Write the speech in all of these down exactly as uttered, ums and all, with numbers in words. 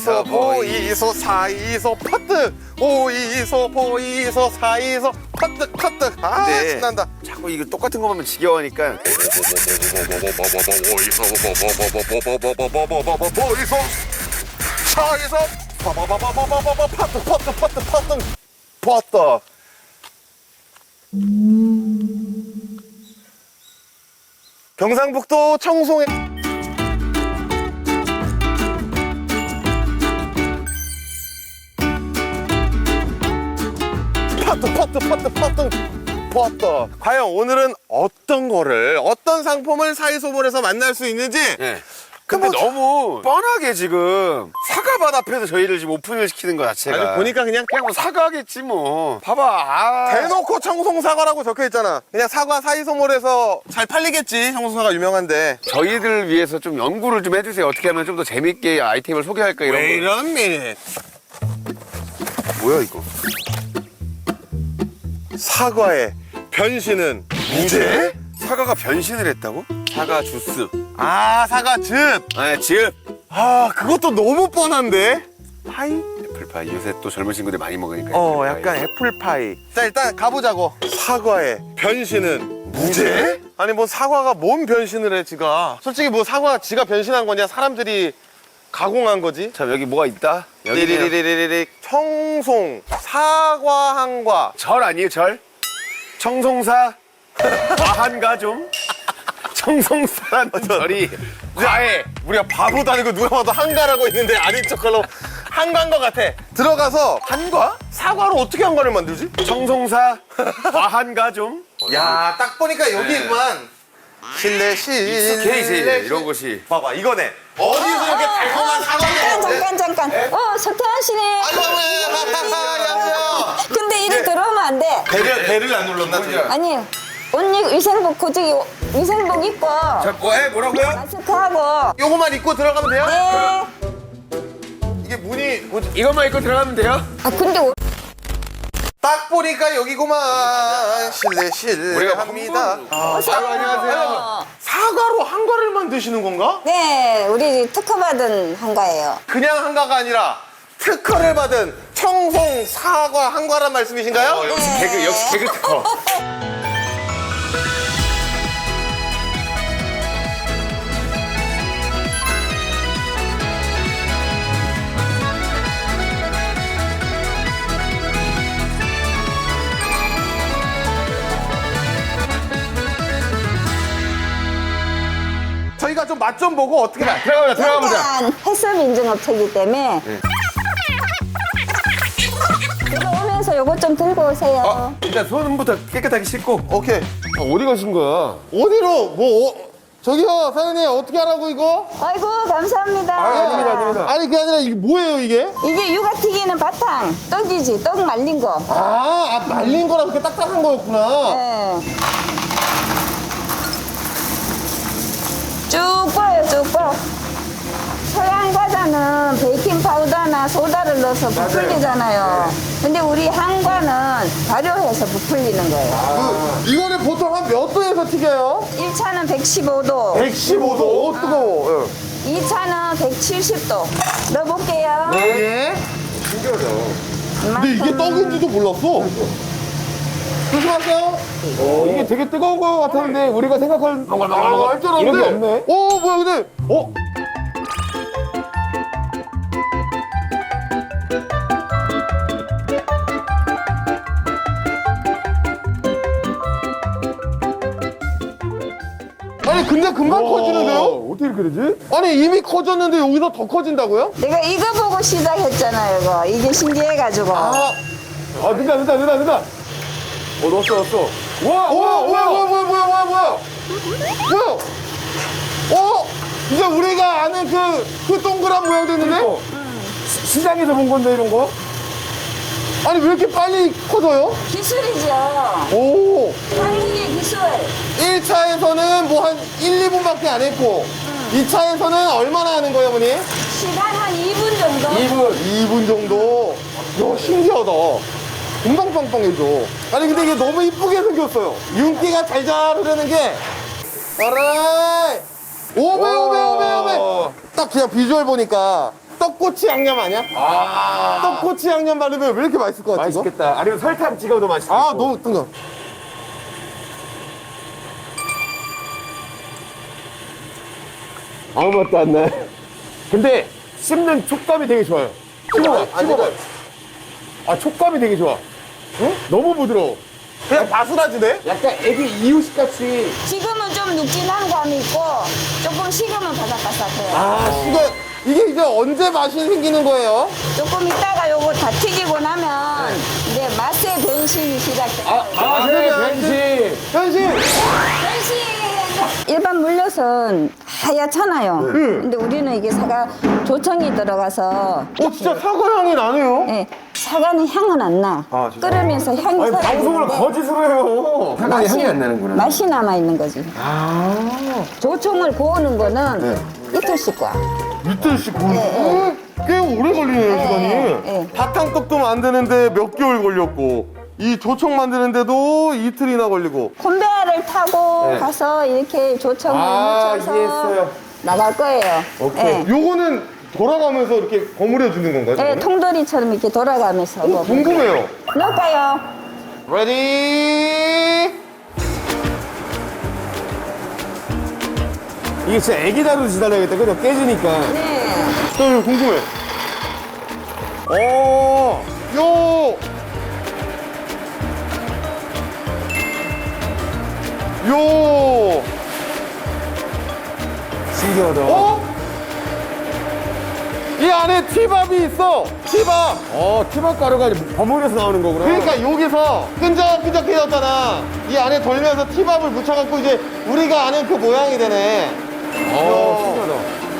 오이소 보이소 사이소 퍼뜩 오이소 보이소 사이소 퍼뜩 퍼뜩. 아 네. 신난다. 자꾸 이거 똑같은 거 보면 지겨우니까. 오이소 보이소 사이소 빠바바바바바바 퍼뜩 퍼뜩 퍼뜩 퍼뜩 퍼뜩. 경상북도 청송에 퍼뜩 퍼뜩 퍼뜩 퍼뜩 퍼뜩. 과연 오늘은 어떤 거를 어떤 상품을 사이소몰에서 만날 수 있는지. 네. 근데 뭐, 너무 뻔하게 지금 사과밭 앞에서 저희를 지금 오픈을 시키는 거 자체가. 아니 보니까 그냥 그냥 뭐 사과겠지 뭐. 봐봐. 아. 대놓고 청송사과라고 적혀있잖아. 그냥 사과 사이소몰에서 잘 팔리겠지. 청송사과 유명한데. 저희들 위해서 좀 연구를 좀 해주세요. 어떻게 하면 좀 더 재밌게 아이템을 소개할까 이런 거. 이런 미닛. 뭐야 이거? 사과의 변신은 무죄? 사과가 변신을 했다고? 사과 주스. 아 사과 즙. 아, 즙. 아 그것도 너무 뻔한데. 파이? 애플파이. 요새 또 젊은 친구들 많이 먹으니까. 어 애플파이. 약간 애플파이. 자 일단 가보자고. 사과의 변신은 무죄? 아니 뭐 사과가 뭔 변신을 해 지가. 솔직히 뭐 사과가 지가 변신한 거냐 사람들이 가공한 거지. 참 여기 뭐가 있다? 여기 리리리리리리 청송 사과 한과. 절 아니에요 절? 청송사 과한가 좀? 청송사라는 절이 과해. 우리가 바보도 아니고 누가 봐도 한가라고 있는데 아닌 척하려고 한가인 것 같아. 들어가서 한과? 사과로 어떻게 한가를 만들지? 청송사 과한가 좀? 야 딱 보니까 여기구만. 실내 실내 익숙해 이제 이런 것이. 봐봐 이거네. 어디서 이렇게 달콤한 사과를 잠깐 잠깐 잠깐. 어 석태환 씨네. 안녕하세요. 근데 이래 들어오면 안 돼. 배를 배를 안 눌렀나 지금? 아니 옷 위생복 고저기 위생복 입고 자, 뭐 해? 뭐라고요? 마스크하고. 요거만 입고 들어가면 돼요? 네. 이게 문이 뭐지? 이것만 입고 들어가면 돼요? 아 근데 옷- 딱 보니까 여기구만. 실내 우리가 실내합니다. 아, 아유, 안녕하세요. 사과로 한과를 만드시는 건가? 네 우리 특허 받은 한가예요. 그냥 한과가 아니라 특허를 받은 청송 사과 한과란 말씀이신가요? 역시 개그, 역시 개그 특허. 저희가 좀 맛 좀 보고 어떻게 봐. 들어가보자, 들어가보자. 일단 해썹 인증업체이기 때문에 들어오면서 요거 좀 들고 오세요. 어, 일단 손부터 깨끗하게 씻고. 오케이. 아, 어디 가신 거야? 어디로? 뭐, 어, 저기요, 사장님, 어떻게 하라고, 이거? 아이고 감사합니다. 아닙니다, 아닙니다. 아니, 그게 아니라, 이게 뭐예요, 이게? 이게 육아 튀기는 바탕 떡이지 떡 말린 거. 아, 아 말린 거라 그렇게 딱딱한 거였구나. 네. 쭉 뻐요, 쭉 뻐. 서양 과자는 베이킹 파우더나 소다를 넣어서 부풀리잖아요. 근데 우리 한과는 발효해서 부풀리는 거예요. 그, 이거는 보통 한 몇 도에서 튀겨요? 일 차는 백십오 도, 백십오 도. 어, 뜨거워. 이 차는 백칠십 도. 넣어볼게요. 예. 신기하다. 근데 이게 떡인지도 몰랐어. 조심하세요. 어, 이게 되게 뜨거운 거 같았는데 우리가 생각할 아, 할 줄 알았는데. 이런 게 없네. 오, 뭐야, 근데. 어? 아니, 근데 금방 커지는데요? 어떻게 이렇게 되지? 아니, 이미 커졌는데 여기서 더 커진다고요? 내가 이거 보고 시작했잖아요, 이거. 이게 신기해가지고. 아, 아, 된다, 된다, 된다, 된다. 어, 넣었어, 넣었어. 와, 오, 와, 뭐야, 와. 뭐야, 뭐야, 뭐야, 뭐야, 뭐야. 뭐야? 어? 이제 우리가 아는 그, 그 동그란 모양 됐는데? 어. 시- 시장에서 본 건데, 이런 거? 아니, 왜 이렇게 빨리 커져요? 기술이죠. 오. 한국의 기술. 일 차에서는 뭐 한 일, 이 분밖에 안 했고, 이 차에서는 얼마나 하는 거예요, 어머니? 시간 한 이 분 정도? 이 분. 이 분 정도. 야, 신기하다. 금방 빵빵해져. 아니, 근데 이게 너무 이쁘게 생겼어요. 윤기가 잘잘 흐르는 게. 알아이. 오메, 오메, 오메, 오메. 딱 그냥 비주얼 보니까 떡꼬치 양념 아니야? 아, 떡꼬치 양념 바르면 왜 이렇게 맛있을 것 같지? 이거? 맛있겠다. 아니면 설탕 찍어도 맛있겠고. 아, 너무 뜬거. 아무 맛도 안 나. 근데 씹는 촉감이 되게 좋아요. 씹어봐, 아니, 씹어봐. 아니, 아, 촉감이 되게 좋아. 응? 너무 부드러워. 그냥 바스라지네? 약간 애기 이유식 같이. 지금은 좀 눅진한 감이 있고 조금 식으면 바삭바삭해요. 아, 이거, 이게 이제 언제 맛이 생기는 거예요? 조금 있다가 요거 다 튀기고 나면 이제 맛의 변신이 시작돼요. 아, 맛의 변신. 현실! 변신! 일반 물엿은 하얗잖아요. 근데 우리는 이게 사과 조청이 들어가서 어, 진짜 사과 향이 나네요? 예, 사과는 향은 안 나. 아, 진짜? 끓으면서 향이 아니, 방송을 살아있는데 거짓으로 해요. 사과의 향이 안 나는구나. 맛이 남아 있는 거지. 아. 조청을 고우는 거는 네. 이틀씩 과. 이틀씩 구우는 네, 꽤 오래 걸리네요, 네, 시간이. 네. 바탕떡도 만드는데 몇 개월 걸렸고, 이 조청 만드는데도 이틀이나 걸리고. 콘베아를 타고 네. 가서 이렇게 조청을 아, 묻혀서 이해했어요. 나갈 거예요. 오케이. 예. 요거는 돌아가면서 이렇게 버무려 주는 건가요? 예, 저거는? 통돌이처럼 이렇게 돌아가면서 오, 뭐 궁금해요. 넣을까요? 레디. 이게 진짜 애기 다루듯이 달라야겠다. 그죠? 깨지니까. 네. 저 이거 궁금해. 어, 요. 요. 신기하다. 어? 이 안에 티밥이 있어. 티밥. 어, 티밥 가루가 이제 버무려서 나오는 거구나. 그러니까 여기서 끈적끈적해졌잖아. 이 안에 돌면서 티밥을 묻혀갖고 이제 우리가 아는 그 모양이 되네. 어, 신기하다.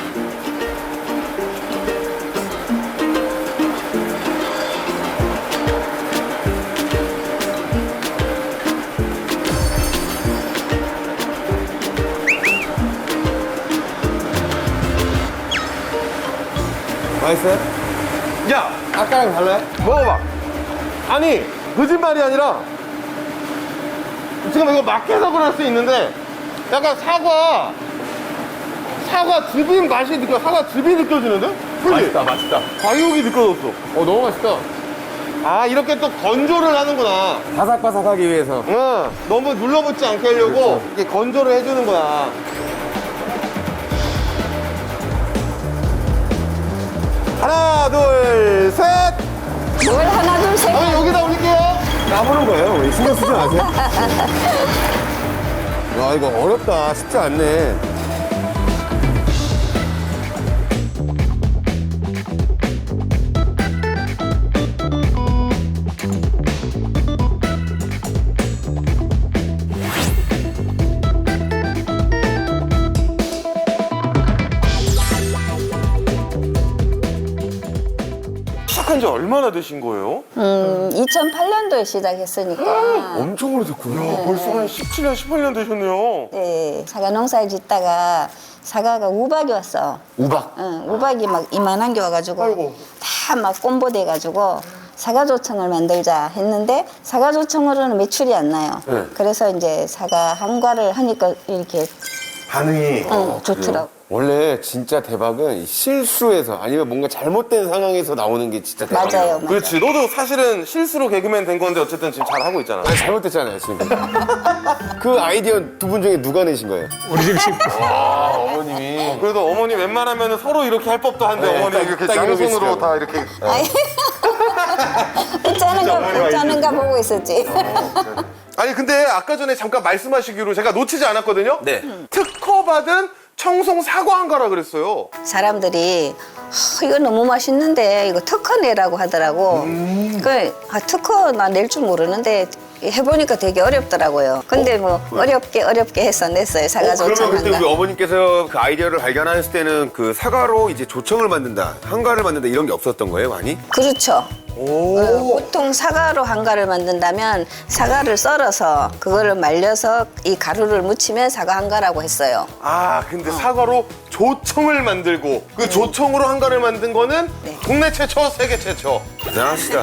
맛있어요? 야, 아까랑 달라요? 먹어봐. 아니, 거짓말이 아니라 지금 이거 막 해석을 할 수 있는데 약간 사과 사과 즙인 맛이 느껴. 사과 즙이 느껴지는데? 그지? 맛있다, 맛있다. 과육이 느껴졌어. 어, 너무 맛있다. 아, 이렇게 또 건조를 하는구나. 바삭바삭하기 위해서. 응, 너무 눌러붙지 않게 하려고 이렇게 건조를 해주는 거야. 하나, 둘, 셋. 뭘 하나 둘 셋. 아, 여기다 올릴게요. 까부는 거예요. 우리 신경 쓰지 마세요. 야, 이거 어렵다. 쉽지 않네. 시작한 지 얼마나 되신 거예요? 음, 이천팔 년도에 시작했으니까. 엄청 오래됐구나. 벌써 한 십칠 년, 십팔 년 되셨네요. 네, 사과 농사를 짓다가 사과가 우박이 왔어. 우박. 응, 우박이 막 이만한 게 와가지고 아이고. 다 막 꼼보돼가지고 사과조청을 만들자 했는데 사과조청으로는 매출이 안 나요. 네. 그래서 이제 사과 한과를 하니까 이렇게 반응이. 응, 좋더라고. 원래 진짜 대박은 실수에서 아니면 뭔가 잘못된 상황에서 나오는 게 진짜 대박이에요. 맞아요. 맞아요. 그렇지. 너도 사실은 실수로 개그맨 된 건데 어쨌든 지금 잘 하고 있잖아. 아니, 잘못됐잖아요, 지금. 그 아이디어 두 분 중에 누가 내신 거예요? 아, 어머님이. 그래도 어머니 웬만하면 서로 이렇게 할 법도 한데 네, 어머니 딱- 이렇게 딱 이러고 양손으로 계시더라고. 다 이렇게. 아이, 웃자는가, 웃자는가 보고 있었지. 아니 근데 아까 전에 잠깐 말씀하시기로 제가 놓치지 않았거든요. 네. 특허 받은 청송 사과 한가라 그랬어요. 사람들이 아, 이거 너무 맛있는데 이거 특허 내라고 하더라고. 음. 그 아, 특허 나 낼 줄 모르는데 해보니까 되게 어렵더라고요. 근데 뭐 어렵게 어렵게 해서 냈어요. 사과 어, 그러면 그때 우리 조청한가. 어머님께서 그 아이디어를 발견하셨을 때는 그 사과로 이제 조청을 만든다, 한가를 만든다 이런 게 없었던 거예요, 많이? 그렇죠. 오. 어, 보통 사과로 한가를 만든다면 사과를 썰어서 그거를 말려서 이 가루를 묻히면 사과 한가라고 했어요. 아 근데 사과로 조청을 만들고 그 조청으로 한가를 만든 거는 네. 국내 최초, 세계 최초. 대단하시다.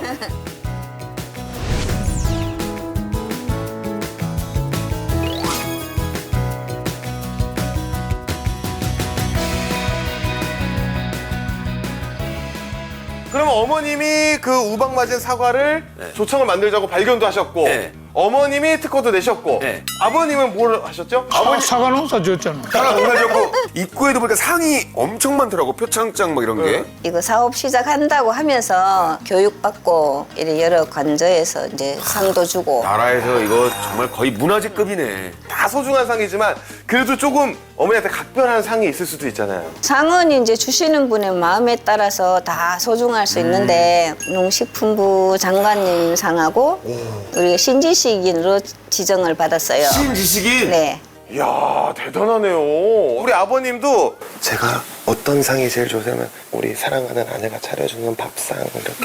어머님이 그 우박 맞은 사과를 네. 조청을 만들자고 발견도 하셨고 네. 어머님이 특허도 내셨고 네. 아버님은 뭘 하셨죠? 아, 사과 농사 지었잖아. 사과 농사지었고 입구에도 보니까 상이 엄청 많더라고. 표창장 막 이런 게. 이거 사업 시작한다고 하면서 교육받고 이런 여러 관저에서 이제 상도 주고 나라에서 이거 정말 거의 문화재급이네. 다 소중한 상이지만 그래도 조금 어머니한테 각별한 상이 있을 수도 있잖아요. 상은 이제 주시는 분의 마음에 따라서 다 소중할 수 있는데 농식품부 장관님 상하고 우리 신지식인으로 지정을 받았어요. 신지식인. 네. 이야 대단하네요. 우리 아버님도 제가 어떤 상이 제일 좋으냐면 우리 사랑하는 아내가 차려주는 밥상 이렇게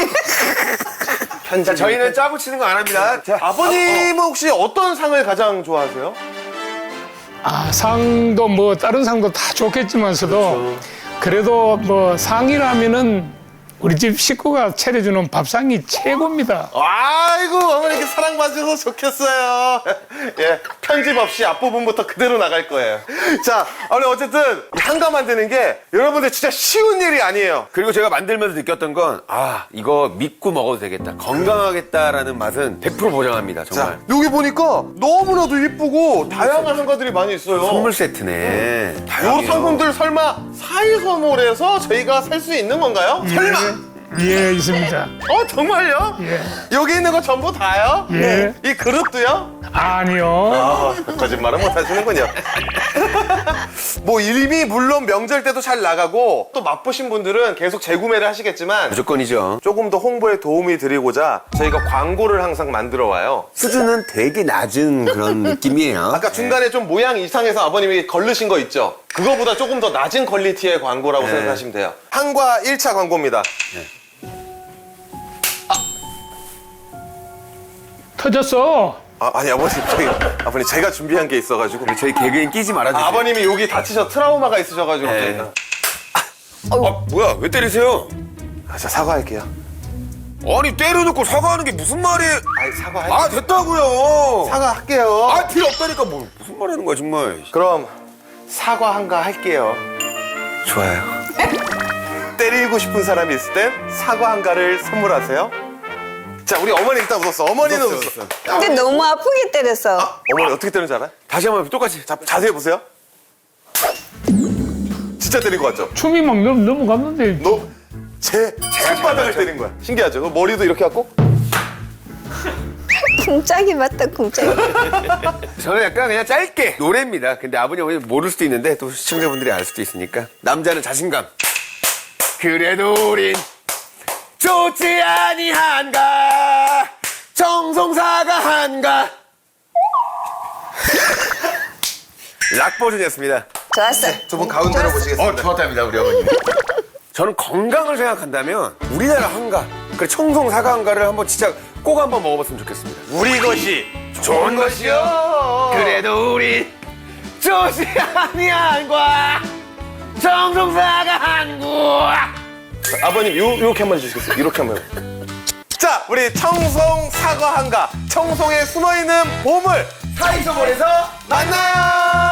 자, 저희는 짜고 치는 거 안 합니다. 자, 아버님은 혹시 어떤 상을 가장 좋아하세요? 아, 상도 뭐 다른 상도 다 좋겠지만서도 그래도뭐 상이라면은 우리 집 식구가 차려주는 밥상이 최고입니다. 아이고 어머니께 사랑받으셔서 좋겠어요. 예 편집 없이 앞부분부터 그대로 나갈 거예요. 자 오늘 어쨌든 이 한가 만드는 게 여러분들 진짜 쉬운 일이 아니에요. 그리고 제가 만들면서 느꼈던 건, 아, 이거 믿고 먹어도 되겠다. 건강하겠다라는 맛은 백 퍼센트 보장합니다, 정말. 자 여기 보니까 너무나도 이쁘고 다양한 한가들이 많이 있어요. 선물 세트네. 요 다양해요. 상품들 설마 사이선몰에서 저희가 살 수 있는 건가요? 설마? 예, 있습니다. 어 정말요? 예. 여기 있는 거 전부 다요? 예. 이 그릇도요? 아니요. 아, 거짓말은 못 하시는군요. 뭐 이미 물론 명절 때도 잘 나가고 또 맛보신 분들은 계속 재구매를 하시겠지만 무조건이죠. 조금 더 홍보에 도움이 드리고자 저희가 광고를 항상 만들어 와요. 수준은 되게 낮은 그런 느낌이에요. 아까 중간에 좀 모양 이상해서 아버님이 걸르신 거 있죠? 그거보다 조금 더 낮은 퀄리티의 광고라고 네. 생각하시면 돼요. 한과 일 차 광고입니다. 터졌어. 아, 아니 아버님 저희 아버님 제가 준비한 게 있어가지고 우리 저희 개그엔 끼지 말아주세요. 아, 아버님이 여기 다치셔 트라우마가 있으셔가지고 네. 저희가 아, 뭐야, 왜 때리세요? 아, 저 사과할게요. 아니, 때려놓고 사과하는 게 무슨 말이에요? 아니 사과할 아, 됐다고요. 사과할게요. 아, 필요 없다니까. 뭐, 무슨 말 하는 거야, 정말. 그럼 사과 한가 할게요. 좋아요. 때리고 싶은 사람이 있을 땐 사과 한가를 선물하세요. 자, 우리 어머니 일단 웃었어. 어머니는 웃었어. 근데 너무 아프게 때렸어. 어머니 어떻게 때리는지 알아? 다시 한번 똑같이. 자, 자세히 보세요. 진짜 때린 거 같죠? 춤이 막 넘, 넘어갔는데. 너 제 손바닥을 때린 거야. 신기하죠? 너 머리도 이렇게 갖고 쿵짝이 맞다 쿵짝이. 저는 약간 그냥 짧게 노래입니다. 근데 아버님, 어머니 모를 수도 있는데 또 시청자분들이 알 수도 있으니까. 남자는 자신감. 그래도 우린 좋지 아니한가 정성사가 한가. 락 버전이었습니다. 좋았어. 두 분 가운데로 보시겠습니다. 좋았답니다, 우리 어머님. 저는 건강을 생각한다면 우리나라 한가, 그래 청송사과 한가를 한번 진짜 꼭 한번 먹어봤으면 좋겠습니다. 우리 것이 좋은 것이요. 그래도 우린 좋지 아니한가 정성사가 한가. 아버님 요 요렇게 한번 해주시겠어요? 이렇게 한번. 자, 우리 청송 사과 한가, 청송에 숨어 있는 보물 사이소몰에서 만나요.